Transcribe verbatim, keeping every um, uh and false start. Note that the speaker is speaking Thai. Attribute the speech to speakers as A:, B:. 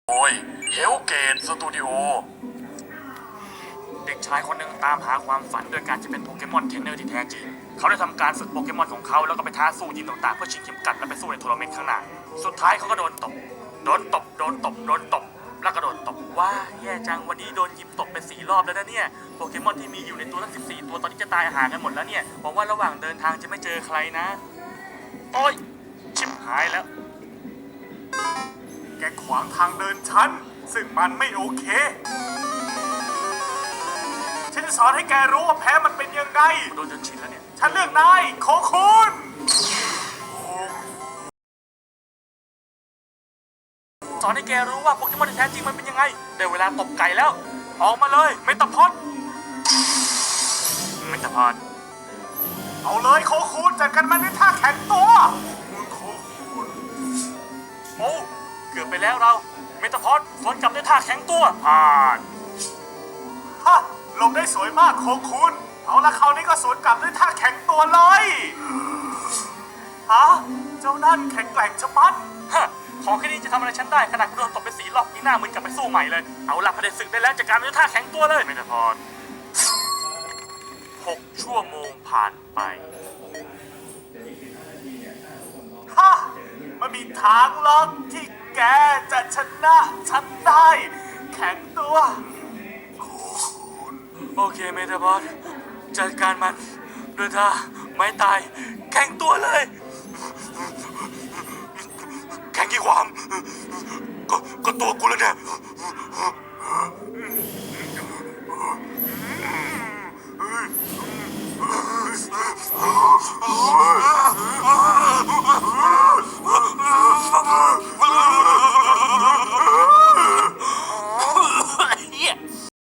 A: โดยเฮลเกตสตูดิโอเด็กชายคนหนึ่งตามหาความฝันโดยการจะเป็นโปเกมอนเทรนเนอร์ที่แท้จริงเขาได้ทำการฝึกโปเกมอนของเขาแล้วก็ไปท้าสู้ทีมต่างๆเพื่อชิงเข็มกัดและไปสู้ในทัวร์นาเมนต์ข้างหน้าสุดท้ายเขาก็โดนตบโดนตบโดนตบโดนตบแล้วก็โดนตบว่าแย่จังวันนี้โดนยิมตบไปสี่รอบแล้วนะเนี่ยโปเกมอนที่มีอยู่ในตัวทั้งสิบสี่ตัวตอนนี้จะตายห่างกันหมดแล้วเนี่ยหวังว่าระหว่างเดินทางจะไม่เจอใครนะโอ้ยชิบหายแล้วแกขวางทางเดินฉันซึ่งมันไม่โอเคฉันจะสอนให้แกรู้ว่าแพ้มันเป็นยังไงโดนจนชินแล้วเนี่ยฉันเลือกนายโคคุณสอนให้แกรู้ว่าโปเกมอนที่แท้จริงมันเป็นยังไงได้เวลาตบไก่แล้วออกมาเลยเมตาพอดเมตาพอดเอาเลยโคคุณจัดกันมันด้วยท่าแข็งตัวโคคุณโอ้เกือบไปแล้วเราเมตาพอดสวนกลับด้วยท่าแข็งตัวผ่านฮะลงได้สวยมากโคคุณเอาละคราวนี้ก็สวนกลับด้วยท่าแข็งตัวเลยฮะเจ้านั่นแข็งแกร่งชะมัดฮะของแค่นี้จะทำอะไรฉันได้ขนาดโดนตบไปสี่รอบนี่หน้ามึนกลับไปสู้ใหม่เลยเอาละพอได้ศึกได้แล้วจัดการด้วยท่าแข็งตัวเลยเมตาพอดหกชั่วโมงผ่านไปฮะมันมีทางหรอกที่แกจะชนะฉันได้แข็งตัวโอเคเมตาบอสจัดการมันด้วยท่าไม้ตายแข็งตัวเลยแข็งกี่ความก็ก็ตัวกูแล้วเนี่ย